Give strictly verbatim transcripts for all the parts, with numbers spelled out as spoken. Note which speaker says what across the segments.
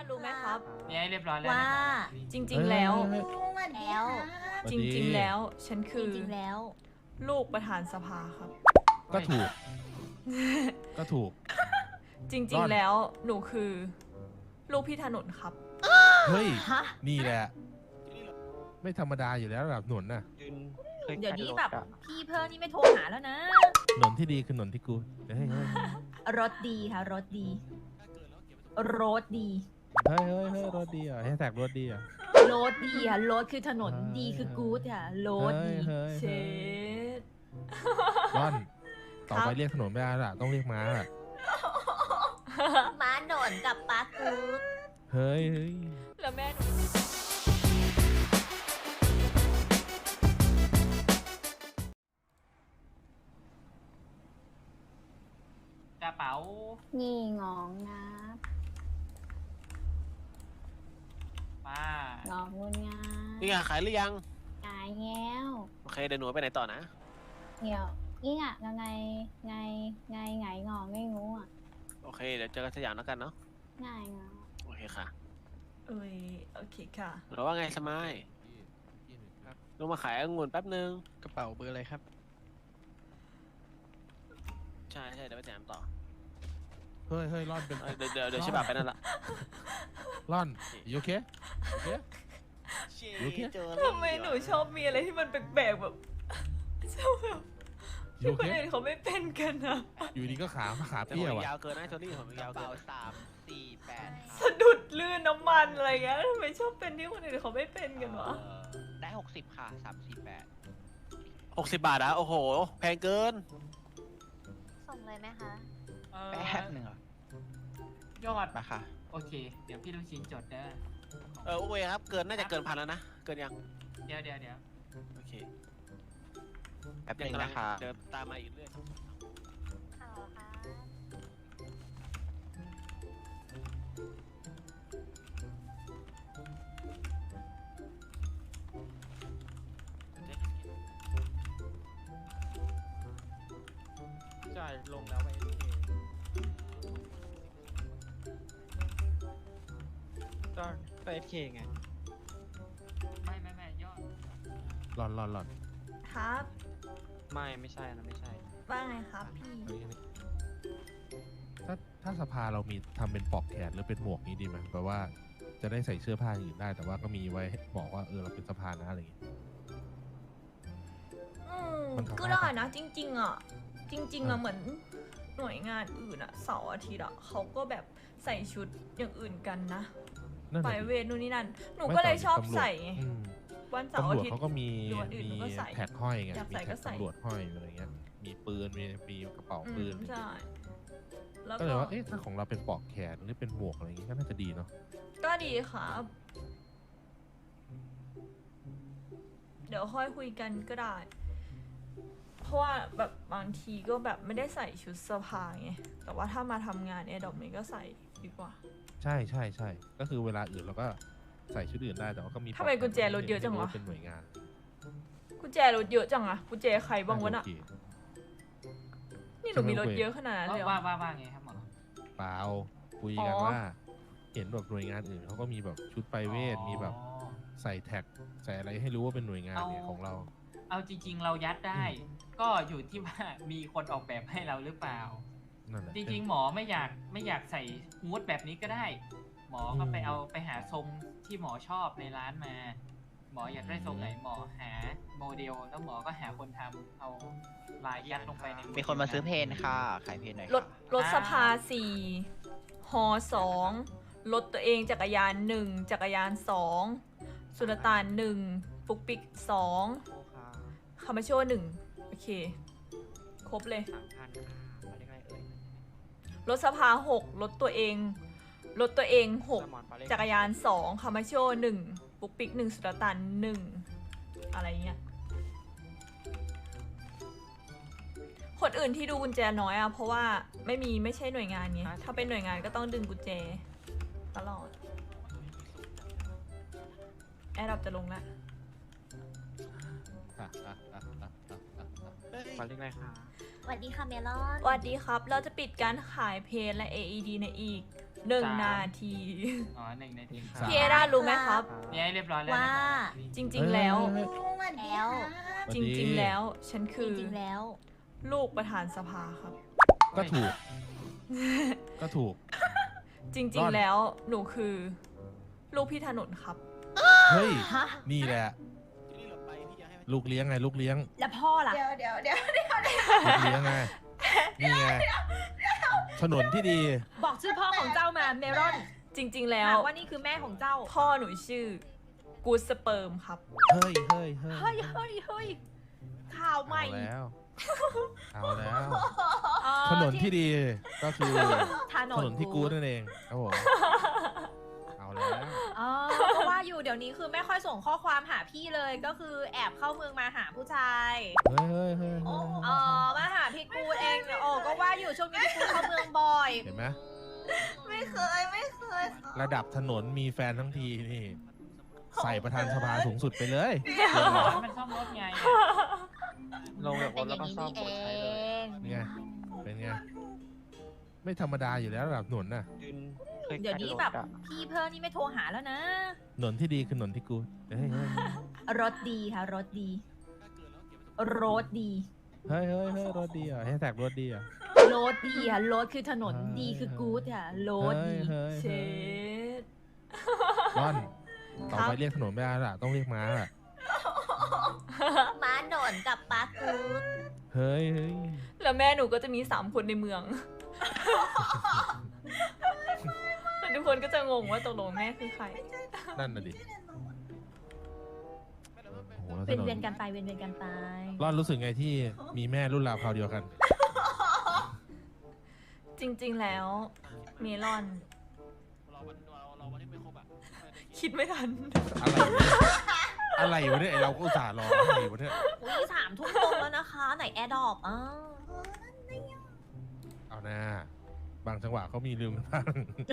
Speaker 1: รู้ไหมครับ
Speaker 2: เนี่ยเรียบร้อยแล้ว
Speaker 1: ว่า
Speaker 2: นะครับ
Speaker 1: จริง ๆ แล้ว
Speaker 3: วัน
Speaker 1: แล้
Speaker 3: แล้ว ว
Speaker 1: จริง ๆ แล้ว ฉัน
Speaker 3: จ
Speaker 1: คือ
Speaker 3: ริงๆแล้ว
Speaker 1: ลูกประธานสภาครับ
Speaker 4: ก็ถูก ก็ถูก
Speaker 1: จริ
Speaker 4: ร่
Speaker 1: ง
Speaker 4: อน
Speaker 1: ๆ แล้วหนูคือ ลูกพี่ถนนครับ
Speaker 4: เฮ้ย
Speaker 3: ฮะ
Speaker 4: นี่แหละ ไม่ธรรมดาอยู่แล้วระดับหนนน่ะ
Speaker 3: เดี๋ยวนี้แบบพี่เพิ่มนี่ไม่โทรหาแล้วนะ
Speaker 4: หนนที่ดีคือหนนที่กูเฮ้ยเฮ้ย
Speaker 3: รถดีค่ะ รถดี รถดี
Speaker 4: เฮ้ยเฮ้ยเฮ้ยรถดีอ่ะให้แท็กรถดีอ่ะ
Speaker 3: รถดีค่ะ รถคือถนน
Speaker 4: เฮ้ย
Speaker 3: ดีคือกู๊ดค่ะ รถดี
Speaker 4: เฮ้ย
Speaker 1: เช
Speaker 4: เฮ้ย
Speaker 1: ด
Speaker 4: ร่อน ต่อ
Speaker 1: ครั
Speaker 4: ไป
Speaker 1: บ
Speaker 4: เรียกถนนไม่ได้ละต้องเรียกม้าละ
Speaker 3: ม้าหนนกับปากู๊ด
Speaker 4: เฮ้ยเฮ้ย
Speaker 1: แล้วแม่หนู
Speaker 2: กระเป๋า
Speaker 5: นี่งองนะ
Speaker 2: ป้าง
Speaker 5: อกงุนงา
Speaker 6: นี่ไงขายหรือยัง
Speaker 5: กายแง้ว
Speaker 6: โอเคเดี๋ยวหนูไปไหนต่อนะ
Speaker 5: เดี๋ยวนี่อ่ะไงไงไงไงงอไม่งูอ่ะ
Speaker 6: โอเคเดี๋ยวเจอกันสยามแล้วกันเนาะ
Speaker 5: ง่ายงอ
Speaker 6: โอเคค่ะ
Speaker 1: เอ้ยโอเคค่ะ
Speaker 6: หรือว่าไงสมายลงมาขายองุ่นแป๊บนึง
Speaker 7: กระเป๋าเบอร์อะไรครับ
Speaker 6: ใช่ใช่เดี๋ยวไปสยามต่อ
Speaker 4: เฮ้ยเฮ้ยร่อนเป็น
Speaker 6: เอ้ยเดี๋ยวเดี๋ยวเดี๋ยวชิบะไปนั่นละ
Speaker 4: ร่อนโอเคโอเค โอเค
Speaker 1: ทำไมหนูชอบมีอะไรที่มันแปลกๆแบบชอบแบบ
Speaker 4: โอ
Speaker 1: ที่ค
Speaker 4: เคน
Speaker 1: อื่นเขาไม่เป็นกันอะ
Speaker 4: อยู่ดีก็ขาขา
Speaker 6: แต่
Speaker 4: เปี้
Speaker 6: ผ
Speaker 4: ย
Speaker 6: ม
Speaker 4: ว่ะ
Speaker 6: ยาวเกินนะโทนี่ผมยาวเกิน
Speaker 7: สามสี่แปด
Speaker 1: สะดุดลื่นน้ำมันอะไรเงี้ยทำไมชอบเป็นที่คนอื่นเขาไม่เป็นกันวะ
Speaker 7: ได้หกสิบค่ะสามสี่แปด
Speaker 6: หกสิบบาทอะโอ้โห แพงเกิน
Speaker 3: ส่งเลยไหมคะ
Speaker 2: เอ่อ
Speaker 7: แป๊บหนึ่งเหรอย
Speaker 2: อด
Speaker 7: มาค่ะ
Speaker 2: โอเค เดี๋ยวพี่ลูกชิ้นจดได้
Speaker 6: เออโอเคครับ เกินน่าจะเกินพันแล้วนะ เกินยัง
Speaker 2: เดี๋ยวเดี๋ยวเดี๋ยว
Speaker 6: โอเค
Speaker 7: แป๊บห
Speaker 6: ยัง
Speaker 7: นึ่ง
Speaker 6: กำลัง
Speaker 7: นะคะ
Speaker 6: เดินตามมาอีกเรื่อย
Speaker 3: เอาค่ะ
Speaker 7: จ่ายลงแล้วไปก็ไปเอสเคไง
Speaker 2: ไม่ไม่ไม่ยอด
Speaker 4: ร่อนร่อนร่อน
Speaker 1: ครับ
Speaker 7: ไม่ไม่ใช่นะไม่ใช่
Speaker 1: ว่าไงครับพี่
Speaker 4: เฮ้ยถ้าถ้าสภาเรามีทำเป็นปลอกแขนหรือเป็นหมวกนี้ดีไหมแปลว่าจะได้ใส่เสื้อผ้าอย่างอื่นได้ แต่ว่าก็มีไว้บอกว่าเออเราเป็นสภานะอะไรอย่างเงี้ย
Speaker 1: อืม
Speaker 4: มันทำได้
Speaker 1: ก็ได้นะ จริง ๆ อ่ะ จริง ๆ
Speaker 4: อ่ะ
Speaker 1: อ่ะเหมือนหน่วยงานอื่นอ่ะเสาร์อาทิตย์อ่ะเขาก็แบบใส่ชุดอย่างอื่นกันนะ
Speaker 4: นั่น
Speaker 1: ไป
Speaker 4: แหละ
Speaker 1: เวทนู่นนี่นั่น หนู
Speaker 4: ไม่
Speaker 1: ก็เลย
Speaker 4: แต่
Speaker 1: ชอบ
Speaker 4: ตำรวจ
Speaker 1: ใส่ไง
Speaker 4: อืม
Speaker 1: วันเสาร์
Speaker 4: ตำร
Speaker 1: อาว
Speaker 4: จ
Speaker 1: ทิตย์
Speaker 4: เขาก็มี
Speaker 1: หรือวันอื่น
Speaker 4: มี
Speaker 1: หนูก็ใส่
Speaker 4: แท็กห้อยไง
Speaker 1: อยาก
Speaker 4: มี
Speaker 1: ใส่ก็
Speaker 4: แท็ก
Speaker 1: ใส่
Speaker 4: ตำรวจห้อยอะไรเงี้ย มีปืน มีมีกระเป๋า
Speaker 1: อื
Speaker 4: ปื
Speaker 1: ม
Speaker 4: น
Speaker 1: ใช่ แล้ว
Speaker 4: ก็
Speaker 1: ก็
Speaker 4: เลยว่า เอ๊ะ ถ้าของเราเป็นปลอกแขนหรือเป็นหมวกอะไรอย่างงี้ก็น่าจะดีเนาะ
Speaker 1: ก็ดีครับ เดี๋ยวค่อยคุยกันก็ได้ เพราะว่าแบบบางทีก็แบบไม่ได้ใส่ชุดสภาไง แต่ว่าถ้ามาทำงานเนี่ยดอกนี้ก็ใส่ดีกว่า
Speaker 4: ใช่ใช่ใช่ ก็คือเวลาอื่นเราก็ใส่ชุดอื่นได้ แต่ว่าก็มี
Speaker 1: ทำไมกุญแจรถเยอะจังวะ
Speaker 4: เป็นหน่วยงาน
Speaker 1: กุญแจรถเยอะจังอะกุญแจใครบ้างวะน่ะ
Speaker 4: โอเค
Speaker 1: นี่หนูมีรถเยอะขนาดนั้นเลยเหร
Speaker 2: ว่า
Speaker 1: อ
Speaker 2: ว่าว่าไงครับหมอ
Speaker 4: เปล่าคุยกัน
Speaker 1: อ๋อ
Speaker 4: ว่า เห็นแบบหน่วยงานอื่นเขาก็มีแบบชุดไปเวท มีแบบ
Speaker 2: อ๋อ
Speaker 4: ใส่แท็กใส่อะไรให้รู้ว่าเป็นหน่วยงานเนี่ย
Speaker 2: เอา
Speaker 4: ของเรา
Speaker 2: เอาจริง ๆ เรายัดได้ ก็อยู่ที่ว่ามีคนออกแบบให้เราหรือเปล่า
Speaker 4: นั่นแหละ
Speaker 2: จริง ๆ หมอไม่อยากไม่อยากใส่ฮูดแบบนี้ก็ได้ หมอก็ไปเอาไปหาทรงที่หมอชอบในร้านมา หมออยากได้ทรงไหนหมอหาโมเดล แล้วหมอก็หาคนทำเอาลายยัดลงไปใน
Speaker 7: มีคนมาซื้อเพนค่ะ ขายเพนหน่อย
Speaker 1: รถรถสภาสี่ฮอสองรถตัวเองจักรยานหนึ่งจักรยานสองสุลต่านหนึ่งปุกปิกสองคามาโชหนึ่งโอเค ครบเลย
Speaker 7: สามพันค่ะมาเรียกอะไรเอ่ย
Speaker 1: รถสภาหกรถตัวเอง รถตัวเองหก
Speaker 7: สมอนปาเล็ก
Speaker 1: จักรยานสองคามาโชหนึ่งปุกปิกหนึ่งสุลต่านหนึ่งอะไรเงี้ย คนอื่นที่ดูกุญแจน้อยอะเพราะว่าไม่มีไม่ใช่หน่วยงานไงถ้าเป็นหน่วยงานก็ต้องดึงกุญแจตลอด แอร์ดับจะลงแล้ว
Speaker 4: อ่ะอ่ะอ่ะอ่ะอ่ะอ่ะอ่ะ
Speaker 6: เฮ้ย
Speaker 7: มาเรียกอะไรคะ
Speaker 3: สวัสดีค่ะเมลอน
Speaker 1: สวัสดีครับ เราจะปิดการขายเพลและ เอ อี ดี ในอีกหนึ่ง
Speaker 2: สาม
Speaker 1: นาที
Speaker 2: อ๋อหนึ่งนาที
Speaker 4: สาม
Speaker 1: พี่เอด้ารู้ไหมครับ
Speaker 2: นี่ให้เรียบร้อยแล้ว
Speaker 3: ว่า
Speaker 2: นะครับ
Speaker 1: จริง ๆ แล้ว
Speaker 4: เฮ้ย
Speaker 3: แล้ว
Speaker 4: เฮ้ย
Speaker 1: จริง ๆ แล้ว ฉัน
Speaker 3: จ
Speaker 1: คือ
Speaker 3: ริงๆแล้ว
Speaker 1: ลูกประธานสภาครับ
Speaker 4: ก็ถูก ก็ถูก
Speaker 1: จ
Speaker 4: ร่
Speaker 1: ริง
Speaker 4: อน
Speaker 1: ๆ แล้วหนูคือ ลูกพี่ถนนครับ
Speaker 4: เฮ้ย
Speaker 3: ฮะ
Speaker 4: นี่แหละ ลูกเลี้ยงไง ลูกเลี้ยง
Speaker 3: แล้วพ่อล่ะ
Speaker 1: เดี๋ยวเดี๋ยวเดี๋ยว
Speaker 4: ลูกเลี้ยงไง นี่ไง ถนนที่ดี
Speaker 3: บอกชื่อพ่อของเจ้ามาเมรอน
Speaker 1: จริง ๆ แล้ว
Speaker 3: ถามว่านี่คือแม่ของเจ้า
Speaker 1: พ่อหนูชื่อกูสเปิร์มครับ
Speaker 4: เฮ้ยเฮ้ยเฮ้ย
Speaker 3: เฮ้ยเฮ้ยเฮ้ยข่าวใหม่
Speaker 4: เอาแล้ว เอาแล้ว
Speaker 3: เอ่อ
Speaker 4: ถนนที่ดีก็คือ
Speaker 3: ถน
Speaker 4: ถ
Speaker 3: น
Speaker 4: นนที่กูดนั่นเองครับผมเอาแล้ว
Speaker 3: อ๋อก็ว่าอยู่เดี๋ยวนี้คือไม่ค่อยส่งข้อความหาพี่เลยก็คือแอบเข้าเมืองมาหาผู้ชาย
Speaker 4: เฮ้ยเฮ้ยเฮ้ยเฮ้ย
Speaker 3: อ๋อมาหาพี่กูดเองโอ้ก็ว่าอยู่ช่วงนี้พี่กูดเข้าเมืองบ่อย
Speaker 4: เห็นไหม
Speaker 1: ไม่เคยไม่เคย
Speaker 4: ระดับถนนมีแฟนทั้งทีนี่ ใส่ประธานสภาสูงสุดไปเลย
Speaker 2: บอกให้มันซ่อมรถไงอะ
Speaker 7: ลง
Speaker 3: มั
Speaker 7: จาน กร
Speaker 3: เป็น
Speaker 7: ถ
Speaker 3: อ
Speaker 7: แล้ว
Speaker 3: ย่าง
Speaker 7: ก็
Speaker 3: นี้
Speaker 7: ซ่อม
Speaker 3: นี่
Speaker 7: ร
Speaker 3: เอ
Speaker 7: ถใช้เลย
Speaker 3: ง
Speaker 4: เป็นไง เป็นไง ไม่ธรรมดาอยู่แล้วระดับถนนน่ะ
Speaker 7: ยืนคลิก
Speaker 3: เดี๋ยวนี้
Speaker 7: ใกล้
Speaker 3: แบบ
Speaker 7: รถอะ
Speaker 3: พี่เพิ่มนี่ไม่โทรหาแล้วนะ
Speaker 4: ถนนที่ดีคือถนนที่กูดเฮ้ยเฮ้ย
Speaker 3: รถดีค่ะ รถดี รถดี
Speaker 4: เฮ้ยเฮ้ยเฮ้ยรถดีอ่ะให้แท็กรถดีอ่ะ
Speaker 3: รถดีค่ะ รถคือถนน
Speaker 4: เฮ้ย
Speaker 3: ดีคือกู๊ดค่ะ รถ
Speaker 4: เฮ้ย
Speaker 3: ดี
Speaker 4: เฮ้ย
Speaker 1: เช
Speaker 4: เฮ้ย
Speaker 1: ด
Speaker 4: ร่อน ต่อไปเรียกถนนไม่ได้ละต้องเรียกม้าละ
Speaker 3: ม้าหนอนกับปากู๊ด
Speaker 4: เฮ้ยเฮ้ย
Speaker 1: แล้วแม่หนูก็จะมีสามคนในเมือง แล้วทุกคนก็จะงงว่าตกลงแม่คือใคร
Speaker 4: นั่นน่ะดิโอ้โหแล้วถ
Speaker 3: เป็น
Speaker 4: นน
Speaker 3: เวียนกันไปเวียนเวียนกันไป
Speaker 4: ร่อนรู้สึกไงที่มีแม่รุ่นราวคราวเดียวกัน
Speaker 1: จริง ๆ แล้ว เมลอน คิดไม่ทัน
Speaker 4: อะไรวะอะไรวะเนี่ยไอเราก็อุตส่าห์รออะไรวะเนี่ย
Speaker 3: อุ้ยสามทุ่มตรงแล้วนะคะ ไหนแอร์ดรอปอ้าว
Speaker 4: เอาหน้าบางจังหวะเขามีลืมกันบ้าง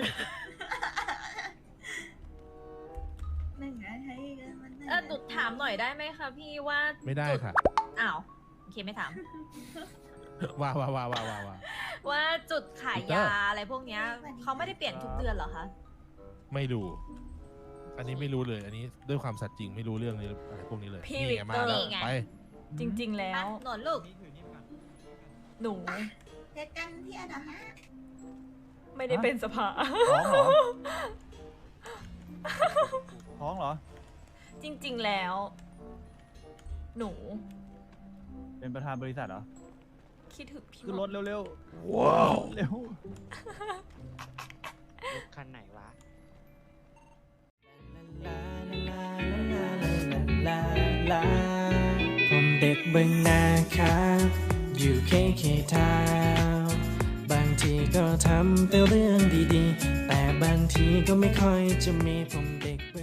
Speaker 3: เออดุดถามหน่อยได้ไหมคะพี่ว่า
Speaker 4: ไม่ได้
Speaker 3: จุ
Speaker 4: ค่ะ
Speaker 3: อ้าวโอเคไม่ถาม
Speaker 4: ว้าวว้าวว้าวว้าวว้าวว้าว
Speaker 3: ว่าจุดขาย
Speaker 4: ปีเตอร์
Speaker 3: ยาอะไรพวกเนี้ยเขาไม่ได้เปลี่ยนทุกเดือนเหรอคะ
Speaker 4: ไม่ดู อันนี้ไม่รู้เลย อันนี้ด้วยความสัตย์จริงไม่รู้เรื่องนี้อะไรพวกนี้เลย
Speaker 1: พี่
Speaker 4: นี่ไงมา
Speaker 1: วิกเตอร์
Speaker 4: แล้ว
Speaker 3: นี่ไง
Speaker 4: ไป
Speaker 1: จริง ๆ แล้ว
Speaker 3: หนอนลูก
Speaker 1: หนู
Speaker 8: เจอกันที่อนาฮะ
Speaker 1: ไม่ได้เป็นสภา
Speaker 9: ท้องเหรอ ท้องเหรอ
Speaker 1: จริง ๆ แล้ว หนู
Speaker 9: เป็นประธานบริษัทเหรอ
Speaker 1: คิดถึงพี่
Speaker 9: ขึ้นรถเร็วๆ
Speaker 4: ว้าว
Speaker 9: เร็ว
Speaker 7: รถคันไหนวะ
Speaker 10: ผมเด็กเบึงนาครับอยู่เคเคทาวน์บางทีก็ทำแต่เรื่องดีๆ แต่บางทีก็ไม่ค่อยจะมีผมเด็กเบึง